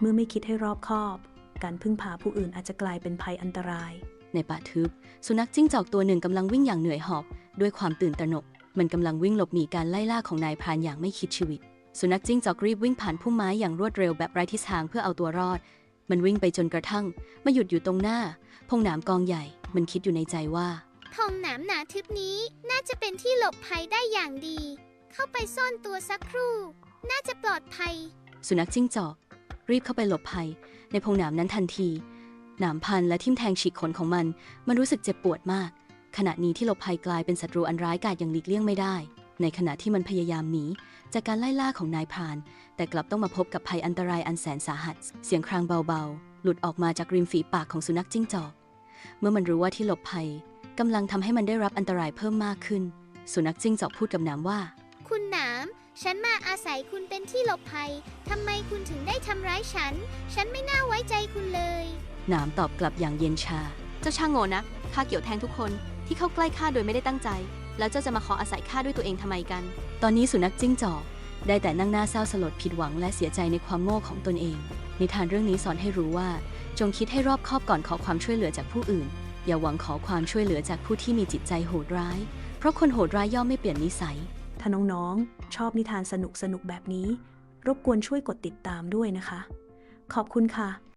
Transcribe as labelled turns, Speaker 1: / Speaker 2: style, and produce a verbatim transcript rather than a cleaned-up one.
Speaker 1: เมื่อไม่คิดให้รอบคอบ การพึ่งพาผู้อื่นอาจจะกลายเป็นภัยอันตราย
Speaker 2: ในป่าทึบสุนัขจิ้งจอกตัวหนึ่งกำลังวิ่งอย่างเหนื่อยหอบด้วยความตื่นตระหนกมันกำลังวิ่งหลบหนีการไล่ล่าของนายพรานอย่างไม่คิดชีวิตสุนัขจิ้งจอกรีบวิ่งผ่านพุ่มไม้อย่างรวดเร็วแบบไร้ทิศทางเพื่อเอาตัวรอดมันวิ่งไปจนกระทั่งมาหยุดอยู่ตรงหน้าพงหนามกองใหญ่มันคิดอยู่ในใจว่า
Speaker 3: พงหนามหนาทึบนี้น่าจะเป็นที่หลบภัยได้อย่างดีเข้าไปซ่อนตัวสักครู่น่าจะปลอดภัย
Speaker 2: สุนัขจิ้งจอกรีบเข้าไปหลบภัยในพงหนามนั้นทันทีหนามพันและทิ่มแทงฉีกขนของมันมันรู้สึกเจ็บปวดมากขณะนี้ที่หลบภัยกลายเป็นศัตรูอันร้ายกาจอย่างหลีกเลี่ยงไม่ได้ในขณะที่มันพยายามหนีจากการไล่ล่าของนายพรานแต่กลับต้องมาพบกับภัยอันตรายอันแสนสาหัสเสียงครางเบาๆหลุดออกมาจากริมฝีปากของสุนัขจิ้งจอกเมื่อมันรู้ว่าที่หลบภัยกำลังทำให้มันได้รับอันตรายเพิ่มมากขึ้นสุนัขจิ้งจอกพูดกับหนามว่า
Speaker 3: คุณหนามฉันมาอาศัยคุณเป็นที่หลบภัยทำไมคุณถึงได้ทำร้ายฉันฉันไม่น่าไว้ใจคุณเลย
Speaker 2: หนามตอบกลับอย่างเย็นชา
Speaker 4: เจ้าช่างโง่นักข้าเกี่ยวแทงทุกคนที่เข้าใกล้ข้าโดยไม่ได้ตั้งใจแล้วเจ้าจะมาขออาศัยข้าด้วยตัวเองทำไมกัน
Speaker 2: ตอนนี้สุนัขจิ้งจอกได้แต่นั่งหน้าเศร้าสลดผิดหวังและเสียใจในความโง่ของตนเองนิทานเรื่องนี้สอนให้รู้ว่าจงคิดให้รอบคอบก่อนขอความช่วยเหลือจากผู้อื่นอย่าหวังขอความช่วยเหลือจากผู้ที่มีจิตใจโหดร้ายเพราะคนโหดร้ายย่อมไม่เปลี่ยนนิสัย
Speaker 1: ถ้าน้องๆชอบนิทานสนุกๆแบบนี้รบกวนช่วยกดติดตามด้วยนะคะขอบคุณค่ะ